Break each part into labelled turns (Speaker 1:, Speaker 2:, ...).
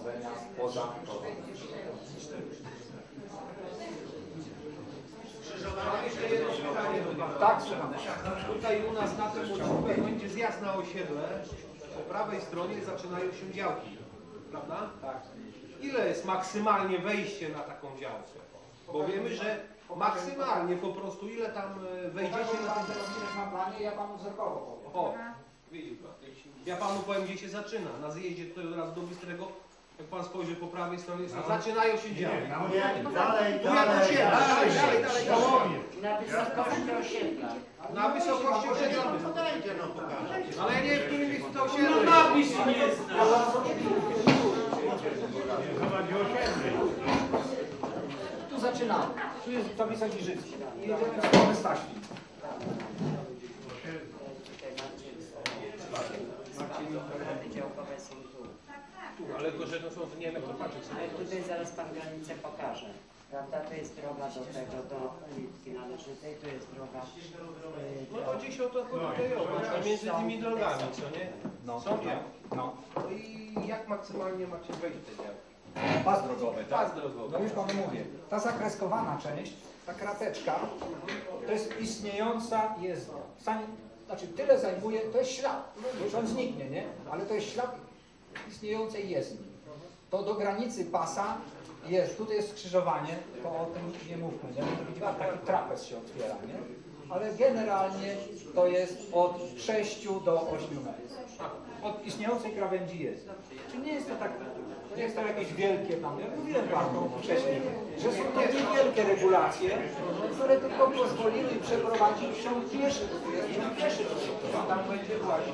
Speaker 1: prowadzenia poza drogą.
Speaker 2: Jeszcze jedno pytanie do Pana.
Speaker 1: Tak, słucham.
Speaker 2: Tutaj u nas na tym odcinku będzie zjazd na osiedle. Po prawej stronie zaczynają się działki, prawda?
Speaker 1: Tak.
Speaker 2: Ile jest maksymalnie wejście na taką działkę? Bo wiemy, że maksymalnie po prostu ile tam wejdziecie na ten...
Speaker 1: na planie, ja panu zerkowo powiem.
Speaker 2: O, widzi pan. Ja panu powiem, gdzie się zaczyna. Na zjeździe tutaj od razu do Bystrego, jak pan spojrzy po prawej stronie, zaczynają się działki.
Speaker 3: Dalej,
Speaker 2: Dalej.
Speaker 4: Na wysokości osiedla.
Speaker 2: Na wysokości osiedla.
Speaker 3: Podajcie, no pokażę.
Speaker 2: Ale ja nie wiem, w którym miejscu to osiedle.
Speaker 5: Napis nie zna.
Speaker 1: Tu zaczynamy. Tu jest tablica Giżycki. I jedziemy w stronę Staśni.
Speaker 4: Działkowe są tu.
Speaker 2: Ale tylko, że to są, nie wiem jak to patrzeć.
Speaker 4: Ale tutaj zaraz pan granicę pokaże. Prawda? To jest droga do tego, do ulicy Należytej, to jest droga.
Speaker 2: No chodzi się o to tutaj między tymi drogami, co nie?
Speaker 1: No,
Speaker 2: Są działki.
Speaker 1: no.
Speaker 2: No i jak maksymalnie macie wejść te działki?
Speaker 1: Pas drogowy, tak?
Speaker 2: Pas drogowy.
Speaker 1: No już panu mówię. Ta zakreskowana część, ta krateczka, to jest istniejąca jezdnia. Znaczy tyle zajmuje, to jest ślad. Już on zniknie, nie? Ale to jest ślad istniejącej jezdni. To do granicy pasa jest, tutaj jest skrzyżowanie, to o tym nie mówmy, nie? Widzi pan, taki trapez się otwiera, nie? Ale generalnie to jest od 6 do 8 metrów. Od istniejącej krawędzi jest. Czy nie jest to tak, to nie jest to jakieś wielkie tam, ja mówiłem panu wcześniej, że są to niewielkie regulacje, które tylko pozwoliły przeprowadzić się pieszy. Tu jest się pieszy, tam będzie właśnie.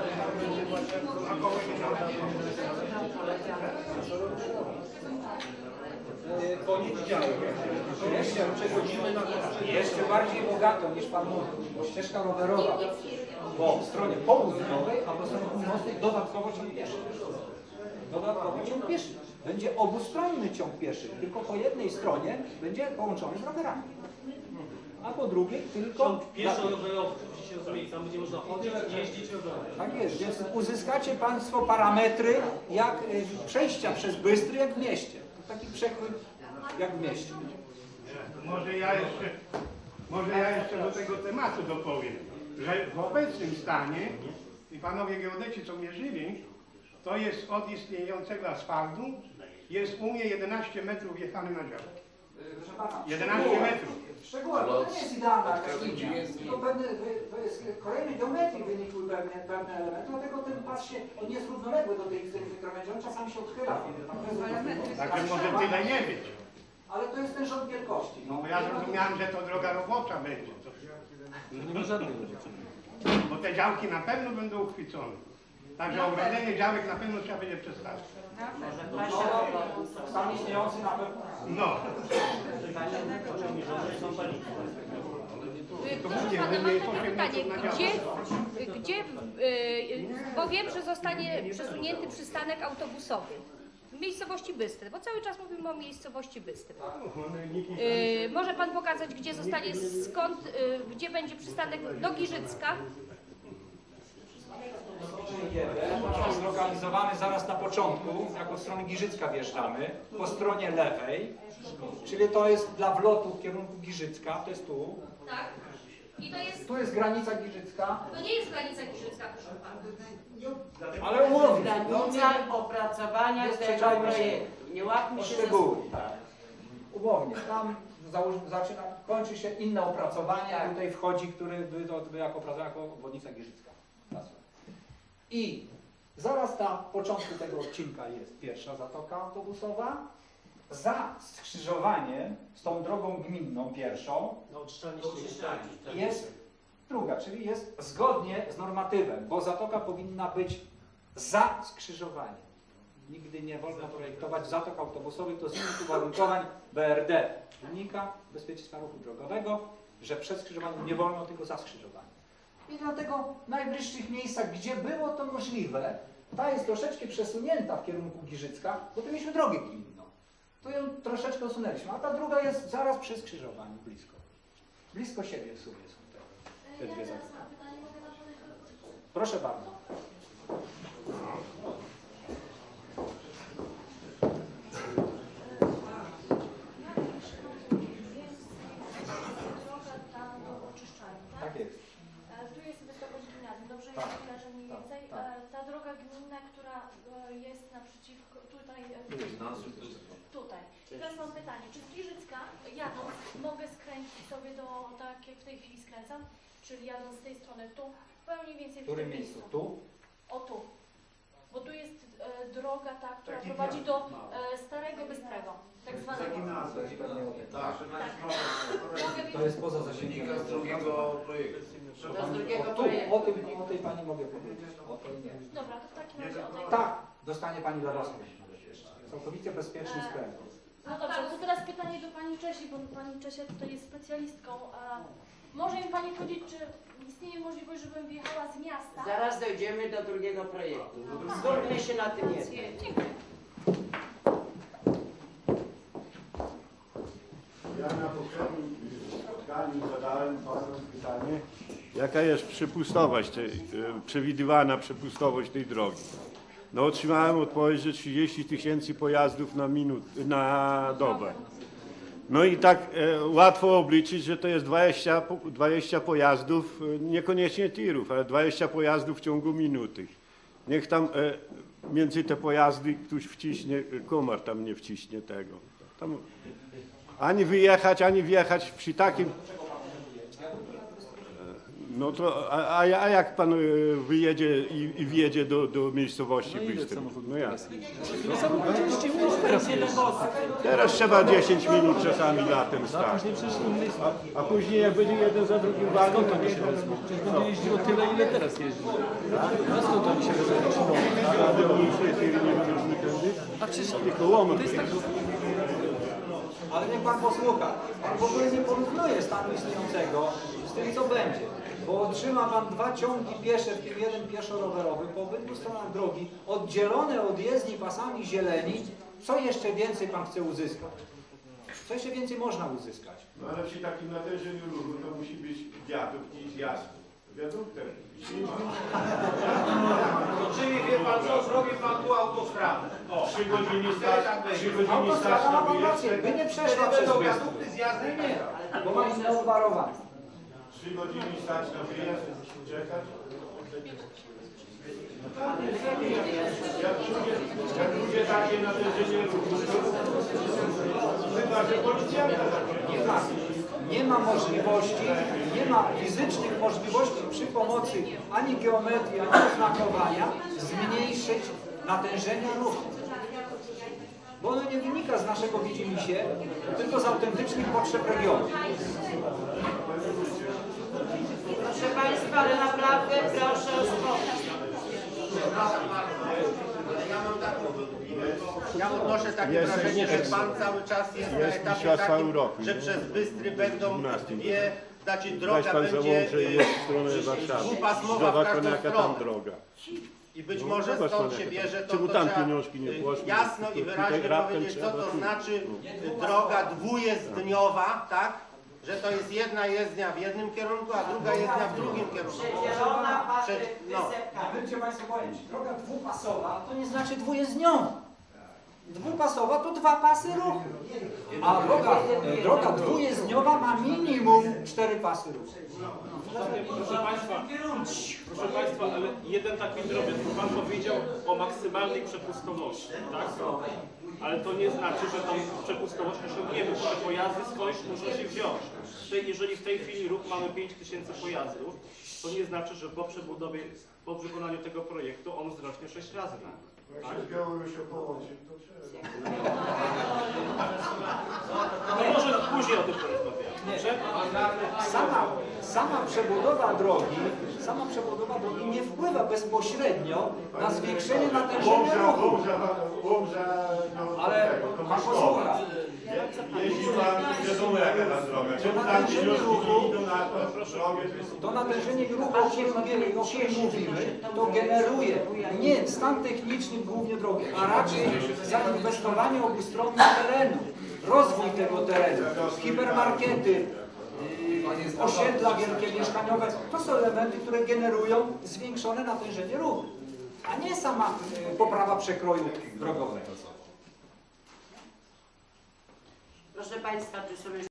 Speaker 2: Koniec działki. Jeszcze przechodzimy na
Speaker 1: Jeszcze bardziej bogato niż pan mówił, bo ścieżka rowerowa po stronie południowej, a po stronie północnej dodatkowo ciąg pieszy. Dodatkowo ciąg pieszy. Będzie obustronny ciąg pieszy, tylko po jednej stronie będzie połączony z rowerami. A po drugiej tylko...
Speaker 5: Ciąg pieszo-rowerowy, się rozumie, tam będzie można chodzić, jeździć rowerem.
Speaker 1: Tak jest, więc uzyskacie państwo parametry jak przejścia przez Bystry jak w mieście. To taki przekrój jak w mieście.
Speaker 3: Może ja jeszcze do tego tematu dopowiem, że w obecnym stanie, i panowie geodeci co mierzyli, to jest od istniejącego asfaltu, jest u mnie 11 metrów jechany na działkę.
Speaker 1: Proszę pana,
Speaker 3: 11 metrów.
Speaker 1: szczegółowo, to nie jest idealna jakaś linia. To jest kolejny geometrii wynikły pewne elementy, dlatego ten pas się, on nie jest równoległy do tej krawędzi, on czasami się odchyla.
Speaker 3: Także może tyle nie być.
Speaker 1: Ale to jest ten rząd wielkości.
Speaker 3: No bo ja zrozumiałem, że to droga robocza będzie.
Speaker 2: Nie ma żadnej różnicy.
Speaker 3: Bo te działki na pewno będą uchwycone. Także ogrodzenie działek na pewno trzeba będzie przestawić.
Speaker 1: Stan istniejący na pewno.
Speaker 3: No.
Speaker 6: Proszę pana, mam takie pytanie, bo wiem, że zostanie przesunięty przystanek autobusowy w miejscowości Bystry, bo cały czas mówimy o miejscowości Bystry. Może pan pokazać, gdzie zostanie, gdzie będzie przystanek do Giżycka?
Speaker 1: Jest zlokalizowany zaraz na początku, jak od strony Giżycka wjeżdżamy, po stronie lewej, czyli to jest dla wlotu w kierunku Giżycka, to jest tu.
Speaker 6: Tak. I to jest,
Speaker 1: Tu jest granica Giżycka,
Speaker 6: to nie jest granica Giżycka, proszę pana.
Speaker 1: ale umownie.
Speaker 4: Granica opracowania
Speaker 1: Nie
Speaker 4: tego
Speaker 1: sprzeczajmy się
Speaker 4: projektu. Nie łapmy
Speaker 1: o
Speaker 4: się
Speaker 1: szczegóły. Umownie. Tam kończy się inne opracowanie, a tutaj wchodzi, który by jako opracowanie, jako obwodnica Giżycka. I zaraz na początku tego odcinka jest pierwsza zatoka autobusowa. Za skrzyżowaniem z tą drogą gminną pierwszą jest druga, czyli jest zgodnie z normatywem, bo zatoka powinna być za skrzyżowaniem. Nigdy nie wolno projektować zatok autobusowych, to z innych uwarunkowań BRD wynika bezpieczeństwa ruchu drogowego, że przed skrzyżowaniem nie wolno, tylko za skrzyżowaniem. I dlatego w najbliższych miejscach, gdzie było to możliwe, ta jest troszeczkę przesunięta w kierunku Giżycka, bo tu mieliśmy drogę gminną. To ją troszeczkę usunęliśmy, a ta druga jest zaraz przy skrzyżowaniu, blisko. Blisko siebie w sumie są te dwie zatoki. Proszę bardzo.
Speaker 7: przeciwko, tutaj. Teraz mam pytanie, czy z Giżycka jadąc mogę skręcić sobie do, tak jak w tej chwili skręcam, czyli jadąc z tej strony tu, powiem mniej więcej
Speaker 1: W
Speaker 7: w tym
Speaker 1: którym miejscu? Tu?
Speaker 7: O tu. Bo tu jest droga ta, która prowadzi do Starego Bystrego, tak zwanego.
Speaker 1: Tak.
Speaker 7: Mogę
Speaker 1: To jest poza zasięgiem.
Speaker 4: To z drugiego
Speaker 1: O tym, o tej pani mogę powiedzieć. O tej nie.
Speaker 7: Dobra, to w takim razie o tej...
Speaker 1: Tak, dostanie pani darowskąd. Całkowicie bezpieczny sklep.
Speaker 7: No dobrze, to teraz pytanie do Pani Czesi, bo Pani Czesia tutaj jest specjalistką. Może mi Pani powiedzieć, czy istnieje możliwość, żebym wjechała z miasta?
Speaker 4: Zaraz dojdziemy do drugiego projektu. Skupmy się na tym jednym.
Speaker 7: Dziękuję.
Speaker 8: Ja na poprzednim spotkaniu zadałem panu pytanie, jaka jest przepustowość, przewidywana przepustowość tej drogi. No otrzymałem odpowiedź, że 30 000 pojazdów na dobę. No i tak łatwo obliczyć, że to jest 20 pojazdów, niekoniecznie tirów, ale 20 pojazdów w ciągu minuty. Niech tam między te pojazdy ktoś wciśnie, komar tam nie wciśnie tego. Tam ani wyjechać, ani wjechać przy takim... No to, a jak pan wyjedzie i wjedzie do miejscowości Bystry? No jak? Teraz trzeba 10 minut czasami latem stać. A później jak będzie jeden za drugim walką, to nie się wezmą.
Speaker 5: Przecież będzie jeździło tyle, ile teraz jeździ. A skąd oni się wezmą?
Speaker 8: Naprawdę mniejsze tiry nie będą nigdy.
Speaker 5: A przecież
Speaker 8: Tylko łomot.
Speaker 5: to jest tak...
Speaker 1: Ale niech pan posłucha. Pan w ogóle nie porównuje stanu istniejącego z tym, co będzie. Bo otrzyma pan 2 ciągi piesze, w tym jeden pieszo-rowerowy, po obydwu stronach drogi, oddzielone od jezdni pasami zieleni. Co jeszcze więcej pan chce uzyskać? Co jeszcze więcej można uzyskać?
Speaker 8: No ale przy takim natężeniu ruchu to musi być wiadukt i zjazd. Wiaduktem.
Speaker 2: Czyli wie pan co, zrobi pan tu autostradę.
Speaker 8: 3 godziny stać na
Speaker 1: Autostrada ma pan
Speaker 8: wyjazd.
Speaker 1: rację, by nie przeszła przez
Speaker 2: Będą
Speaker 1: Bystrę.
Speaker 2: wiadukty, zjazdy nie.
Speaker 1: Bo ma inne obwarowanie.
Speaker 8: 3 godziny stać na wyjazd, czekać. Jak ludzie takie natężenie ruchu, chyba że policjanta
Speaker 1: Nie ma możliwości, nie ma fizycznych możliwości przy pomocy ani geometrii, ani oznakowania zmniejszyć natężenia ruchu. Bo ono nie wynika z naszego widzimisię, tylko z autentycznych potrzeb regionu.
Speaker 4: Proszę Państwa, ale naprawdę proszę o spokój.
Speaker 9: Ja odnoszę takie wrażenie, że Pan cały czas jest na etapie
Speaker 8: Mistrzostwa
Speaker 9: takim,
Speaker 8: Europy,
Speaker 9: że
Speaker 8: nie?
Speaker 9: przez Bystry będą
Speaker 8: 12.
Speaker 9: dwie, znaczy
Speaker 8: Weź
Speaker 9: droga
Speaker 8: pan
Speaker 9: będzie
Speaker 8: załączy w stronę Warszawy.
Speaker 9: dwupasmowa w
Speaker 8: Zobacz pan
Speaker 9: każdą
Speaker 8: jaka tam
Speaker 9: stronę.
Speaker 8: droga.
Speaker 9: I być
Speaker 8: No,
Speaker 9: może
Speaker 8: zobacz
Speaker 9: stąd
Speaker 8: pan,
Speaker 9: się
Speaker 8: jak
Speaker 9: bierze to,
Speaker 8: czemu
Speaker 9: to
Speaker 8: tam
Speaker 9: trzeba
Speaker 8: pieniążki nie poszły?
Speaker 9: jasno i
Speaker 8: Tutaj
Speaker 9: wyraźnie
Speaker 8: raptem
Speaker 9: powiedzieć, co
Speaker 8: trzeba
Speaker 9: to
Speaker 8: tu.
Speaker 9: znaczy droga dwujezdniowa, tak? Że to jest jedna jezdnia w jednym kierunku, a druga jezdnia w drugim kierunku.
Speaker 4: Zielona
Speaker 9: No.
Speaker 1: Nie będziecie Państwo pojęć. Droga dwupasowa to nie znaczy dwujezdniowa. Dwupasowa to 2 pasy ruchu. A droga dwujezdniowa ma minimum 4 pasy ruchu.
Speaker 5: Proszę Państwa, ale jeden taki drobiazg. Pan powiedział o maksymalnej przepustowości, tak? Ale to nie znaczy, że tą przepustowość osiągniemy, bo te pojazdy skądś muszą się wziąć. Jeżeli w tej chwili ruch mamy 5000 pojazdów, to nie znaczy, że po przebudowie, po wykonaniu tego projektu on wzrośnie 6 razy.
Speaker 8: Jak się z Białorusią połączy, to trzeba.
Speaker 5: No może później o tym porozmawiamy. Dobrze?
Speaker 1: Sama przebudowa drogi nie wpływa bezpośrednio na zwiększenie natężenia ruchu. Ale pan posłucha.
Speaker 8: Jeździ pan, wiadomo jaka ta droga. Czemu tam wnioski idą na to drogę?
Speaker 1: To natężenie ruchu, o którym mówimy, to generuje nie stan techniczny głównie drogi, a raczej zainwestowanie obustronne terenu, rozwój tego terenu, hipermarkety, osiedla wielkie mieszkaniowe. To są elementy, które generują zwiększone natężenie ruchu, a nie sama poprawa przekroju drogowego.
Speaker 4: Proszę Państwa, czy sobie